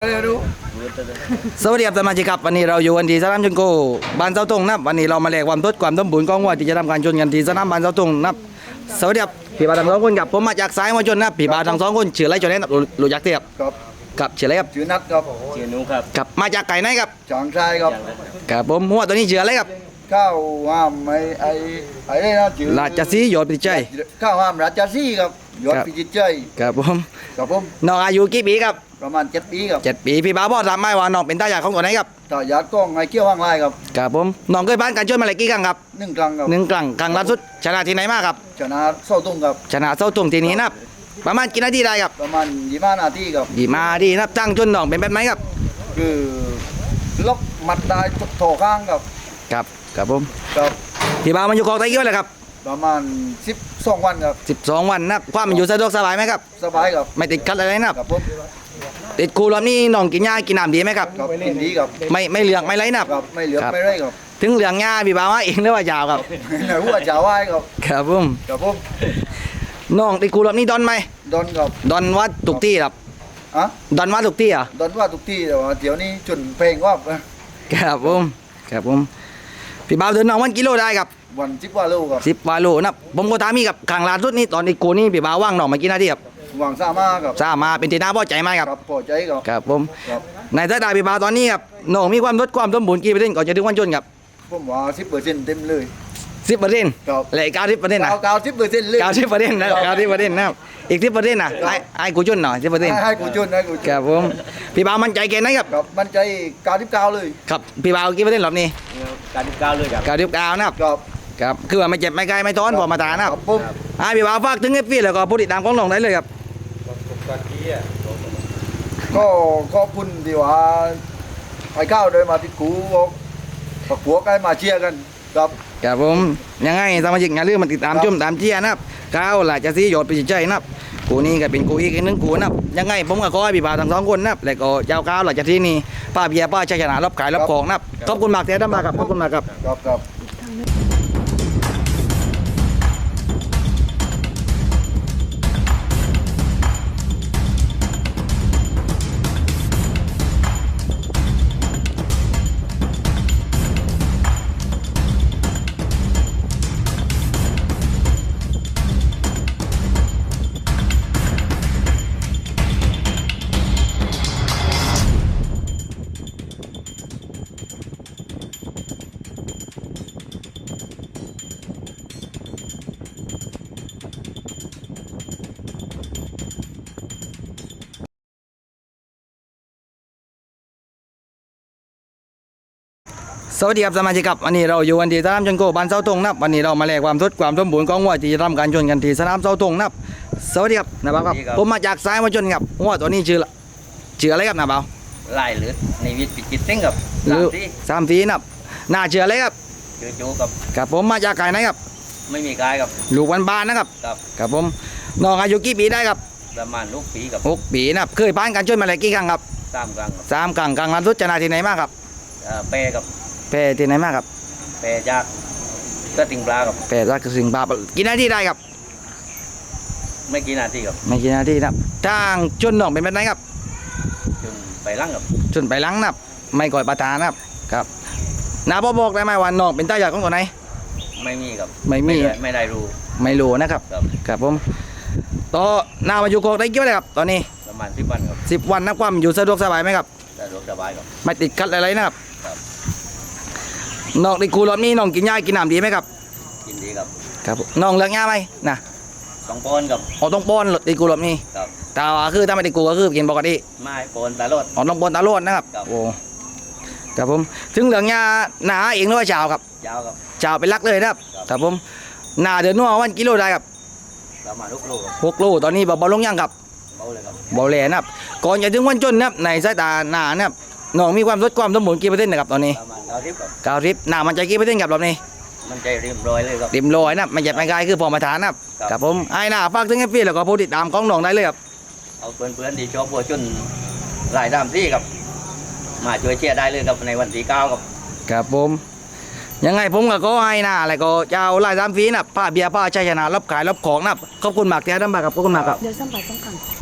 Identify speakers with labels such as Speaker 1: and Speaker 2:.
Speaker 1: สวัสดีครับสมาชิกครับวันนี้เราอยู่กันที่สนามชนโกบ้านเสาตงนะครับวันนี้เรามาแลกความทดความสมบูรณ์ของวัวที่จะทำการชนกันที่สนามบ้านเสาตงนะครับสวัสดีครับพี่บาทั้งสองคนครับผมมาจากสายมวยชนนะครับพี่บาทั้งสองคนชื่ออะไรจนแนะรู้จักเทียบ
Speaker 2: ครับ
Speaker 1: กับชื่ออะไรครับ
Speaker 2: ชื่อนัดครับ
Speaker 3: ชื่อนุครับ
Speaker 1: กับมาจากไก่ไหนครับ
Speaker 2: จางชายครับ
Speaker 1: กับผมหัวตัวนี้ชื่ออะไรครับ
Speaker 2: ข้าวห้ามไอ้นี่นะชื่อ
Speaker 1: ราชสีห์ยอดพิจิตร
Speaker 2: ข้าวห้ามราชสีห์ครับยอดพิจิตรใจ
Speaker 1: กับผม
Speaker 2: ครับผม
Speaker 1: น้องอายุกี่ปีครับ
Speaker 2: ประมาณ7 ปีครับ
Speaker 1: 7 ปีพี่บาบอกทำไมว่าน้องเป็นตาใหญ่ของตัวไหนครับ
Speaker 2: ต่อยาดกล้องไอ้เกี้ยวห้างลายครับ
Speaker 1: กับผมน้องเคยผ่านการชนมาหลายกี่ครั้งครับ
Speaker 2: 1 ครั้งครับ
Speaker 1: 1 ครั้งครั้งล่าสุดชนะที่ไหนมาครับ
Speaker 2: ชนะเศร้าตุ้งครับ
Speaker 1: ชนะเสาตงที่นี้นะครับประมาณกี่นาทีได้ครับ
Speaker 2: ประมาณ25 นาทีครับ
Speaker 1: ดีมาดีนะครับตั้งชนน้องเป็นแบบไหนครับ
Speaker 2: คือล็อกมัดได้โถข้างครับ
Speaker 1: ครับครับผม
Speaker 2: ครับ
Speaker 1: พี่บามันอยู่กองไตเกี่ยวเลยครับ
Speaker 2: ประมาณ12 วันครับ
Speaker 1: 12 วันนะครับความมันอยู่สะดวกสบายไหมครับ
Speaker 2: สบายครับ
Speaker 1: ไม่ติดขัดอะไรนะครับ
Speaker 2: ครับผม
Speaker 1: ติดครูรอบนี้น้องกินหญ้ากินน้ำดีไหมครับ
Speaker 2: ครับกินดีครับ
Speaker 1: ไม่เหลืองไม่ไรนะครับ
Speaker 2: ครับไม่เหลือไม่ไรครับ
Speaker 1: ถึงเหลืองหญ้าพี่บาว่าเองหรือว่ายาวครับ
Speaker 2: ไหนหัวจ่าไหว้ครับ
Speaker 1: ครับผม
Speaker 2: ครับผม
Speaker 1: น้องติดครูรอบนี้ดอนไหม
Speaker 2: ดอนครับ
Speaker 1: ดอนวัดทุกที่ครับ
Speaker 2: อ่ะ
Speaker 1: ดอนวัดทุกที่อ่ะ
Speaker 2: ดอนว่าทุกที่แต่ว่าเดี๋ยวนี้จุนเพลงว่า
Speaker 1: ครับผมครับผมพี่บาเดินน้องวันกิโลได้ครับ
Speaker 2: วัน10 ว่าโลครับ
Speaker 1: 10 วาโลนะครับผมก็ถามมีกับขังล่าสุดนี้ตอนนี้กูนี่พี่บาว่างน้องมากี่นาทีครับ
Speaker 2: หวังซ่ามาครับ
Speaker 1: ทราบมาเป็นที่น่าพอใจไหมครับ
Speaker 2: ครับพอใจครับ
Speaker 1: ครับผม
Speaker 2: ครับ
Speaker 1: ในสายตาพี่บาตอนนี้ครับน้องมีความลดความสมบูรณ์กี่เปอร์เซ็นต์ก่อนจะถึงวันชนครับ
Speaker 2: ผมว่า10%เต็มเลย
Speaker 1: 10%
Speaker 2: ครับ
Speaker 1: และอีก90%นะ
Speaker 2: 90%เลย
Speaker 1: 90%นะครับ90%นะครับอีก10%นะไอ้กูชนหน่อย10%
Speaker 2: ให้กูจุนให้กูจุ
Speaker 1: คน รับผมพี่บามั่นใจแค่ไหนครับ
Speaker 2: ครับมันใจ99เลย
Speaker 1: ครับพี่บากี่เปอร์เซ็นต์รอบนี้
Speaker 3: การที่ก้าวเลยครับ
Speaker 1: 99นะครับ
Speaker 2: ครับ
Speaker 1: ครับคือว่าไม่เจ็บไม่ไกลไม่ท้อนพอมาตานะครับ
Speaker 2: ผม
Speaker 1: พี่บาฝากถึงเอฟซีแล้วก็ผู้ติดตามของน้องได้เลยครับ
Speaker 2: ก็ขอบคุณที่ว่าไอ้ข้าวเดินมาที่กูบอกปักหัวใกล้มาเชียร์กันครับ
Speaker 1: ครับผมยังไงสมาชิกอย่าลืมมาติดตามชมตามเชียร์นะครับก้าวหลาจะซีหยดไปใจนะครับกูนี่ก็เป็นกูอีกหนึ่งกูนะครับยังไงผมก็ขอให้พี่บาทั้งสองคนนะครับแล้วก็เจ้าก้าวหลาจะที่นี่ป้าเบียร์ป้าชัยชนะรับขายรับของนะครับขอบคุณมากเท่านั้นครับขอบคุณมากครับ
Speaker 2: ครับครับ
Speaker 1: สวัสดีครับสมาชิกครับวันนี้เราอยู่กันที่สนามชนโกบ้านเสาตงนะครับวันนี้เรามาแลกความทดความสมบูรณ์ของวัวที่จะทำการชนกันที่สนามเสาตงนะครับสวัสดีครับนาบ่าวครับผมมาจากสายมาชนครับวัวตัวนี้ชื่ออะไรครับนาบ่าว
Speaker 3: ไล่หรือในวิทย์พิจิตรเส้นกับ
Speaker 1: หรือ
Speaker 3: ที่
Speaker 1: 3 สีนะครับน่าชื่ออะไรครับ
Speaker 3: เจอโจกับ
Speaker 1: ครับผมมาจากไก่ไหนครับ
Speaker 3: ไม่มีกายกับ
Speaker 1: ลูกบ้านๆนะครับ
Speaker 3: กับ
Speaker 1: ครับผมน้องอายุกี่ปีได้ครับ
Speaker 3: ประมาณลูกปีกับ
Speaker 1: 6 ปีนะครับเคยผ่านการชนมาแล้วกี่ครั้งครับ
Speaker 3: 3 ครั้งกับ
Speaker 1: 3 ครั้งครั้งล่าสุดชนะที่ไหนมาครับ
Speaker 3: เปรกับ
Speaker 1: แพ้ที่ไหนมาครับ
Speaker 3: เปรจากก็ติงปลากับ
Speaker 1: แพ้รักสิงห์บาปกี่นาทีได้ครับ
Speaker 3: ไม่กี่นาทีกับ
Speaker 1: ไม่กี่นาทีนะครับทางชนน้องเป็นแบบไหนครับ
Speaker 3: จนไปลั่งกับ
Speaker 1: ชนไปหลังนะครับไม่ก่อยประทานนะครับครับนาบอบอกได้ไหมว่าน้องเป็นตาใหญ่ของตัวไหน
Speaker 3: ไม่มีกับ
Speaker 1: ไม่มี
Speaker 3: ไม่ได้รู้
Speaker 1: ไม่รู้นะครับ
Speaker 3: กับ
Speaker 1: ครับผมต่อหน้ามาอยู่โกได้กี่วันเลยครับตอนนี้
Speaker 3: ประมาณ10 วันกับ
Speaker 1: 10 วันนะความอยู่สะดวกสบายไหมครับ
Speaker 3: สะดวกสบายกับ
Speaker 1: ไม่ติดขัดอะไรนะครับ
Speaker 3: ครับ
Speaker 1: น้องในครูรอบนี้น้องกินหญ้ากินน้ำดีไหมครับ
Speaker 3: กินดีกับ
Speaker 1: ครับน้องเลือกหญ้าไหมนะ
Speaker 3: ต้องปอนกับ
Speaker 1: อ๋อต้องป้อนในครูรอบนี้
Speaker 3: กับ
Speaker 1: แต่ว่าคือถ้าไม่ได้ครูก็คือกินปกติ
Speaker 3: ไม้ปอนตลอด
Speaker 1: อ๋อต้องป้อนตาโลดนะครับ
Speaker 3: ครับ
Speaker 1: โอ้ครับผมถึงเหลืองหญ้าหนาเองหรือว่าเช้าครับ
Speaker 3: ยาวกับ
Speaker 1: เช้าเป็นหลักเลยนะครับ
Speaker 3: ครับ
Speaker 1: ครับผมหนาเดือนนัววันกิโลได้ครับ
Speaker 3: ประมาณลูกโลกับ
Speaker 1: 6 โลตอนนี้เบาๆลงยังครับ
Speaker 3: เบาเลยกับ
Speaker 1: เบาแลนะครับก่อนจะถึงวันจนนะครับในสายตาหนานะครับน้องมีความลดความสมบูรณ์กี่เปอร์เซ็นต์นะครับตอนนี้
Speaker 3: ประมาณ90กับ
Speaker 1: 90หนามันใจกี่เปอร์เซ็นต์ครับรอบนี้
Speaker 3: มันใจเรียบร้อยเลยครับ
Speaker 1: เต็มร้อยนะครับไม่เจ็บไม่ไกลคือพอมาทานนะครับ
Speaker 3: ครับ
Speaker 1: ครับผมไอ้หน้าฝากถึงให้พี่แล้วก็ผู้ติดตามของน้องได้เลยครับ
Speaker 3: เอาเพื่อนๆที่ชอบบัวจนหลายตามที่ครับ มาช่วยเชียร์ได้เลยครับในวันที่9ครับ
Speaker 1: ครับผมยังไงผมก็ขอให้หน้าอะไรก็เจ้าไล่ตามฟรีนะครับผ้าเบียร์ผ้าชัยชนะรับขายรับของนะครับขอบคุณมากที่ให้ท่านมาครับขอบคุณมากครับ
Speaker 4: เดี๋ยวสัมผัสต้องกัน